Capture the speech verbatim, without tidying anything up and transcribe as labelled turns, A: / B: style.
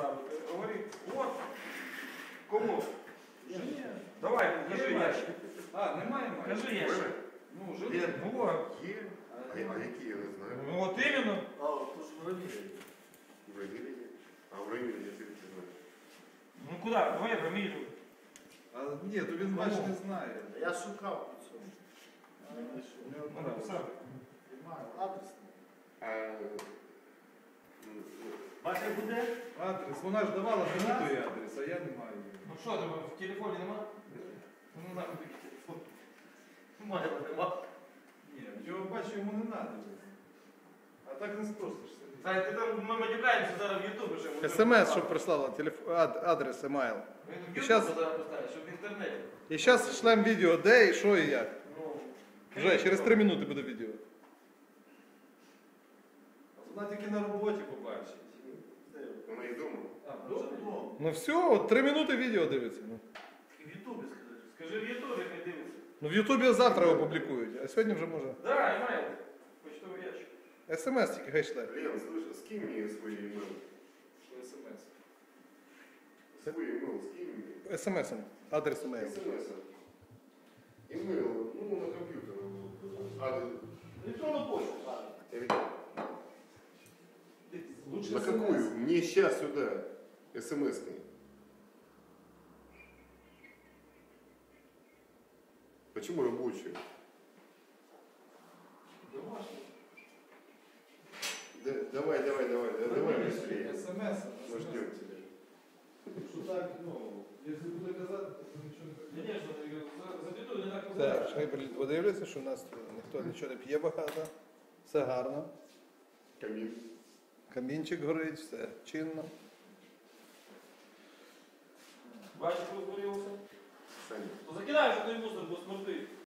A: ставити. Говори, от. Кому? Жені. Давай, кажи ящик.
B: А, немає майже?
A: Кажи ящик.
B: Ну, вже
C: Є.
A: Вот.
C: Є. А, а які я не знаю.
A: Ну от іменно.
D: А, то ж в Равиле.
C: В Равиле є. А в Равиле я тільки знаю.
A: Ну куди? Давай фамілію.
B: А, ні, то він майже не знає.
D: Я шукав по цьому. Не знайшов.
B: У нього
A: Надо
B: правда.
A: писати.
D: Немає. Адрес.
C: А, м,
D: Бачите, буде?
B: Адрес, вона ж давала мені той адрес, а я не маю.
A: Ну що, тебе в телефоні нема? Ну нахуй такий телефон.
D: Немає, нема.
B: Ні, його бачу, йому не треба. А так не спросишся.
A: Зай, ти там, ми матюкаємося зараз в Ютубі ще.
E: СМС, щоб прислала, телефон, ад, адрес, емайл.
A: Він в
E: І
A: Ютубі
E: щас-
A: зараз поставить, щоб в інтернеті.
E: І зараз шлем відео, де і що і як.
A: Ну,
E: Вже через три минути буде відео.
B: Вона тільки на роботі побачить.
C: вона і дома.
B: А,
D: Вже
B: добре.
D: вдома.
E: Ну все, от три минути відео дивиться. Ну,
D: В Ютубі скажи.
A: Скажи в Ютубі, хай дивиться.
E: ну в Ютубі завтра опублікують, а сьогодні вже може.
A: Да, імейл. Почтовий ящик.
E: СМС тільки хай шле.
C: Лен, слышь, скинь мне свой email.
B: СМС.
C: Свой email скинь мне.
E: СМСом, адрес емейл.
C: СМС. Email, ну, на компьютер. Адрес.
D: Електронну почту.
A: Лучше
C: На
A: СМС.
C: какую? Мне сейчас сюда. СМС-кой. Почему рабочую?
A: Домашній.
C: Да, давай, давай, давай, да, давай быстрее.
B: СМС.
C: Мы ждем тебя.
B: Що так, ну, якщо буде казати, то нічого не буде.
A: Звісно, запітую не так
E: Так,
A: позначено.
E: хай блін, подивляться, що у нас ніхто нічого не п'є багато. Все гарно.
C: Камин.
E: Камінчик горить, все чинно.
A: Бачиш, розгорілося?
C: Саня.
A: То закидай, що той мусор, бо смердить.